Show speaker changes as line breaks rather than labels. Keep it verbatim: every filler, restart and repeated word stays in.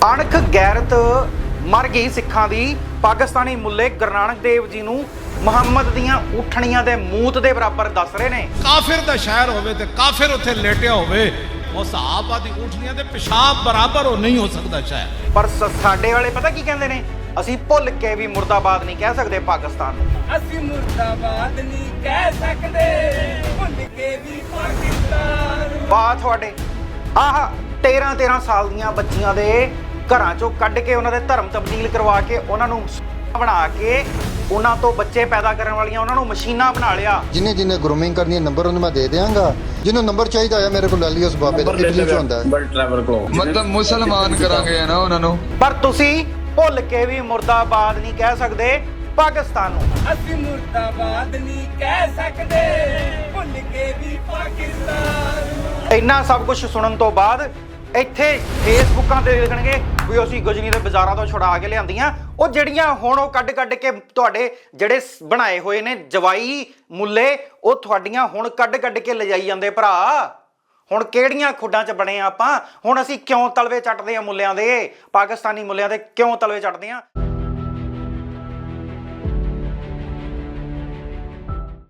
ਅਣਖ ਗੈਰਤ ਮਰ ਗਈ ਸਿੱਖਾਂ ਦੀ। ਪਾਕਿਸਤਾਨੀ ਮੁੱਲੇ ਗੁਰੂ ਨਾਨਕ ਦੇਵ ਜੀ ਨੂੰ ਮੁਹੰਮਦ ਦੀਆਂ ਊਠਣੀਆਂ ਦੇ ਮੂਤ ਦੇ ਬਰਾਬਰ ਦੱਸ ਰਹੇ ਨੇ।
ਕਾਫਿਰ ਦਾ ਸ਼ਹਿਰ ਹੋਵੇ ਤੇ ਕਾਫਿਰ ਉੱਥੇ ਲੇਟਿਆ ਹੋਵੇ, ਉਹ ਸਹਾਬਾ ਦੀ ਊਠਣੀਆਂ ਦੇ ਪਿਸ਼ਾਬ ਬਰਾਬਰ ਉਹ ਨਹੀਂ ਹੋ ਸਕਦਾ ਸ਼ਹਿਰ।
ਪਰ ਸਾਡੇ ਵਾਲੇ ਪਤਾ ਕੀ ਕਹਿੰਦੇ ਨੇ, ਅਸੀਂ ਭੁੱਲ ਕੇ ਵੀ ਮੁਰਦਾਬਾਦ ਨਹੀਂ ਕਹਿ ਸਕਦੇ ਪਾਕਿਸਤਾਨ ਨੂੰ।
ਅਸੀਂ ਮੁਰਦਾਬਾਦ ਨਹੀਂ ਕਹਿ ਸਕਦੇ, ਭੁੱਲ ਕੇ ਵੀ ਪਾਕਿਸਤਾਨ।
ਬਾਤ ਤੁਹਾਡੇ ਆਹ ਤੇਰਾਂ ਤੇਰਾਂ ਸਾਲ ਦੀਆਂ ਬੱਚੀਆਂ ਦੇ ਘਰਾਂ ਚੋਂ ਕੱਢ ਕੇ ਉਹਨਾਂ ਦੇ ਧਰਮ ਤਬਦੀਲ ਕਰਵਾ ਕੇ ਉਹਨਾਂ ਨੂੰ ਬਣਾ ਕੇ ਉਹਨਾਂ ਤੋਂ ਬੱਚੇ ਪੈਦਾ ਕਰਨ ਵਾਲੀਆਂ ਉਹਨਾਂ ਨੂੰ ਮਸ਼ੀਨਾਂ ਬਣਾ ਲਿਆ।
ਜਿਨੇ ਜਿਨੇ ਗਰੂਮਿੰਗ ਕਰਨੀ ਹੈ ਨੰਬਰ ਉਹਨੂੰ ਮੈਂ ਦੇ ਦਿਆਂਗਾ। ਜਿਹਨੂੰ ਨੰਬਰ ਚਾਹੀਦਾ ਹੈ ਮੇਰੇ ਕੋਲ ਲੈ ਲਿਓ। ਉਸ ਬਾਬੇ ਦਾ ਇਟਲੀ ਚ ਹੁੰਦਾ ਹੈ।
ਮਤਲਬ ਮੁਸਲਮਾਨ ਕਰਾਂਗੇ ਨਾ ਉਹਨਾਂ ਨੂੰ।
ਪਰ ਤੁਸੀਂ ਭੁੱਲ ਕੇ ਵੀ ਮੁਰਦਾਬਾਦ ਨਹੀਂ ਕਹਿ ਸਕਦੇ ਪਾਕਿਸਤਾਨ ਨੂੰ।
ਅਸੀਂ ਮੁਰਦਾਬਾਦ ਨਹੀਂ ਕਹਿ ਸਕਦੇ, ਭੁੱਲ ਕੇ ਵੀ ਪਾਕਿਸਤਾਨ।
ਇੰਨਾ ਸਭ ਕੁਝ ਸੁਣਨ ਤੋਂ ਬਾਅਦ ਇੱਥੇ ਫੇਸਬੁੱਕਾਂ ਤੇ ਲਿਖਣਗੇ ਵੀ ਅਸੀਂ ਗਜਨੀ ਦੇ ਬਾਜ਼ਾਰਾਂ ਤੋਂ ਛੁਡਾ ਕੇ ਲਿਆਂਦੀਆਂ। ਉਹ ਜਿਹੜੀਆਂ ਹੁਣ ਉਹ ਕੱਢ ਕੱਢ ਕੇ ਤੁਹਾਡੇ ਜਿਹੜੇ ਬਣਾਏ ਹੋਏ ਨੇ ਜਵਾਈ ਮੁੱਲੇ, ਉਹ ਤੁਹਾਡੀਆਂ ਹੁਣ ਕੱਢ ਕੱਢ ਕੇ ਲਿਜਾਈ ਜਾਂਦੇ ਭਰਾ। ਹੁਣ ਕਿਹੜੀਆਂ ਖੁੱਡਾਂ 'ਚ ਬਣੇ ਆਪਾਂ? ਹੁਣ ਅਸੀਂ ਕਿਉਂ ਤਲਵੇ ਚੱਟਦੇ ਆ ਮੁੱਲਿਆਂ ਦੇ, ਪਾਕਿਸਤਾਨੀ ਮੁੱਲਿਆਂ ਦੇ ਕਿਉਂ ਤਲਵੇ ਚੱਟਦੇ ਆ?